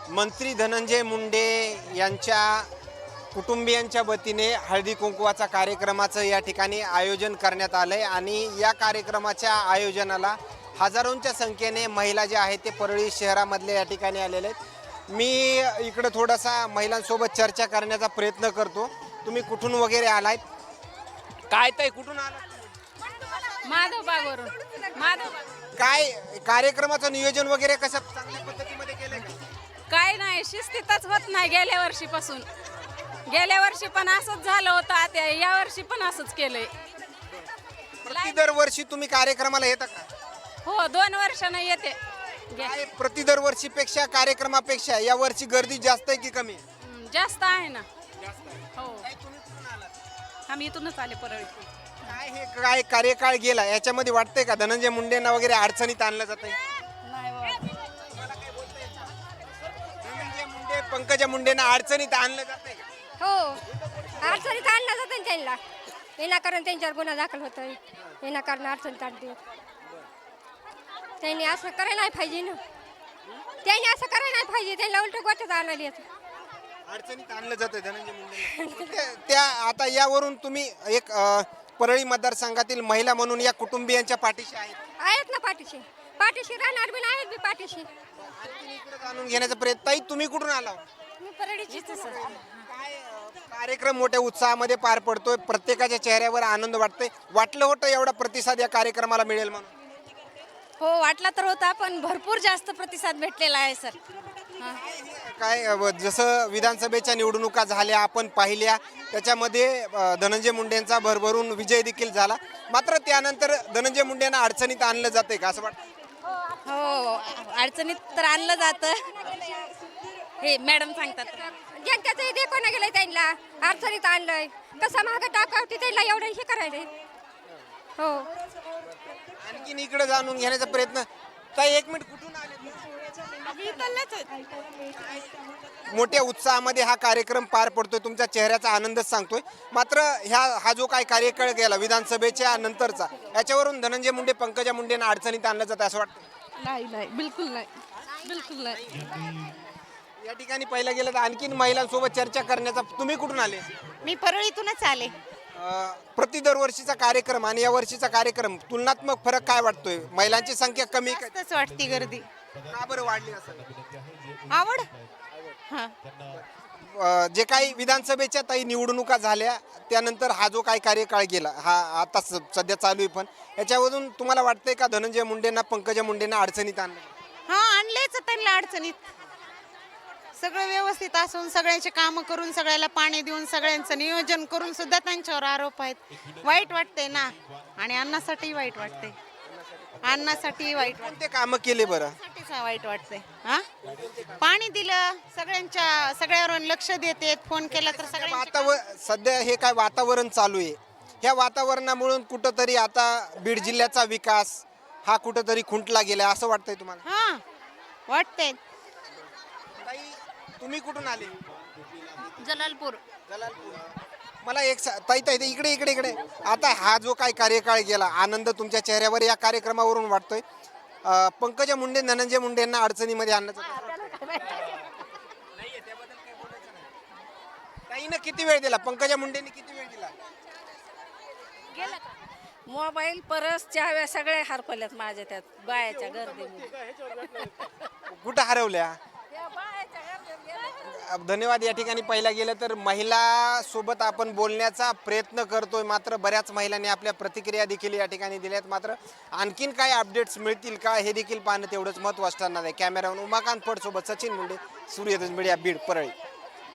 मंत्री धनंजय मुंडे यांच्या कुटुंबियांच्या वतीने हळदी कुंकवाचा कार्यक्रमाचं या ठिकाणी आयोजन करण्यात आलं आहे आणि या कार्यक्रमाच्या आयोजनाला हजारोंच्या संख्येने महिला ज्या आहेत ते परळी शहरामधले या ठिकाणी आलेले आहेत। मी इकडं थोडासा महिलांसोबत चर्चा करण्याचा प्रयत्न करतो। तुम्ही कुठून वगैरे आलात? काय ताई कुठून आलात? माधवबागवरून। काय कार्यक्रमाचं नियोजन वगैरे कसं चांगल्या पद्धतीमध्ये केलंय का? काय नाही, शिस्तीतच होत नाही गेल्या वर्षीपासून। गेल्या वर्षी पण असंच झालं होतं, आता या वर्षी पण असंच केलंय। दरवर्षी तुम्ही कार्यक्रमाला येता का? हो, 2 वर्षानं येते। काय दरवर्षीपेक्षा कार्यक्रमापेक्षा या वर्षी गर्दी जास्त आहे की कमी? जास्त आहे ना। हो, तुम्ही कुठून आलात? आम्ही इथूनच आले परळीतून। काय हे काय कार्यकाळ गेला याच्यामध्ये वाटतंय का धनंजय मुंडेंना वगैरे अडचणीत आणलं जातंय? नाही हो। धनंजय मुंडे पंकजा मुंडेंना अडचणीत आणलं जातंय का? हो, अडचणीत आणलं जातं ना त्यांना। विनाकारण त्यांच्यावर गुन्हा दाखल होतोय, विनाकारण अडचणीत आणते। त्यांनी असं करायला नाही पाहिजे ना, त्यांनी असं करायला नाही पाहिजे, त्यांना उलट गोष्ट आणली अडचणीत आणलं जातंय धनंजय मुंडे त्या आता यावरून तुम्ही एक परळी मतदारसंघातील महिला म्हणून या कुटुंबियांच्या पाठीशी आहेत ना, पाठीशी पाठीशी राहणार बी आहेत बी पाठीशी। आणखीन इकडे जाणून घेण्याचा प्रयत्न। ताई तुम्ही कुठून आला? मी परळीचीच आहे सर। काय कार्यक्रम मोठ्या उत्साहामध्ये पार पडतोय, प्रत्येकाच्या चेहऱ्यावर आनंद वाटतोय। वाटलं होतं एवढा प्रतिसाद या कार्यक्रमाला मिळेल म्हणून? हो, वाटला तर होता, पण भरपूर जास्त प्रतिसाद भेटलेला आहे सर। काय जसं विधानसभेच्या निवडणुका झाल्या आपण पाहिल्या, त्याच्यामध्ये धनंजय मुंडेंचा भरभरून विजय देखील झाला, मात्र त्यानंतर धनंजय मुंडेंना अडचणीत आणलं जाते का असं वाटतं? हो, अडचणीत तर आणलं जातं, हे मॅडम सांगतात। जनतेचं देखोना गेलंय, त्यांना अडचणीत आणलंय, कसं मागं टाकावती त्यांना एवढं हे करायला। हो, आणखीन इकडे जाणून घेण्याचा प्रयत्न। ताई एक मिनिट, कुठून आले? मोठ्या उत्साहामध्ये हा कार्यक्रम पार पडतोय, तुमच्या चेहऱ्याचा आनंदच सांगतोय, मात्र हा जो काही कार्यकाळ गेला विधानसभेच्या नंतरचा, याच्यावरून धनंजय मुंडे पंकजा मुंडेंना अडचणीत आणलं जातं असं वाटतं? नाही, बिलकुल नाही, बिलकुल नाही। या ठिकाणी पहिला गेलं तर आणखीन महिलांसोबत चर्चा करण्याचा। तुम्ही कुठून आले? मी परळीतूनच आले। दरवर्षीचा कार्यक्रम आणि या वर्षीचा कार्यक्रम तुलनात्मक फरक काय वाटतोय? महिलांची संख्या कमी जास्तच वाटती गर्दी। का बरं वाढली असं? आवड। हां, जे काही विधानसभेच्या ताई निवडणुका झाल्या त्यानंतर हा जो काही कार्यकाळ गेला, हा आता सध्या चालू आहे, पण याच्यावरून तुम्हाला वाटतंय का धनंजय मुंडेंना पंकजा मुंडेंना अडचणीत आणलं? हां, आणलेच त्यांना अडचणीत। सगळं व्यवस्थित असून सगळ्यांचे कामं करून सगळ्याला पाणी देऊन सगळ्यांचं नियोजन करून सुद्धा त्यांच्यावर आरोप आहेत। वाईट वाटते ना, आणि अन्नासाठी वाईट वाटते, अन्नासाठी वाईट कोणते कामं केले बरं? वाटते, वाईट वाटते। हां, पाणी दिलं, सगळ्यावर लक्ष देते, फोन केला तर सगळ्यांचे सध्या हे काय वातावरण चालू आहे, ह्या वातावरणामुळे कुठंतरी आता बीड जिल्ह्याचा विकास हा कुठंतरी खुंटला गेला असं वाटतंय तुम्हाला? हां, वाटते। तुम्ही कुठून आले? जलालपूर। मला एक ताई इकडे आता हा जो काही कार्यकाळ गेला, आनंद तुमच्या चेहऱ्यावर या कार्यक्रमावरून वाटतोय, पंकजा मुंडे धनंजय मुंडेंना अडचणीमध्ये आणण्याचं ताईनं किती वेळ दिला? पंकजा मुंडेंनी किती वेळ दिला? मोबाईल, परस, चाव्या सगळे हरपल्यात माझ्या त्यात बायाच्या गर्दीमुळे। कुठं हरवल्या? धन्यवाद। या ठिकाणी पहिला गेलं तर महिला सोबत आपण बोलण्याचा प्रयत्न करतोय, मात्र बऱ्याच महिलांनी आपल्या प्रतिक्रिया देखील या ठिकाणी दिल्यात, मात्र आणखीन काय अपडेट्स मिळतील का हे देखील पाहणं तेवढंच महत्त्वाचं ठरणार आहे। कॅमेरामन उमाकांत फड सोबत सचिन मुंडे, सूर्यदर्शन मीडिया, बीड, परळी।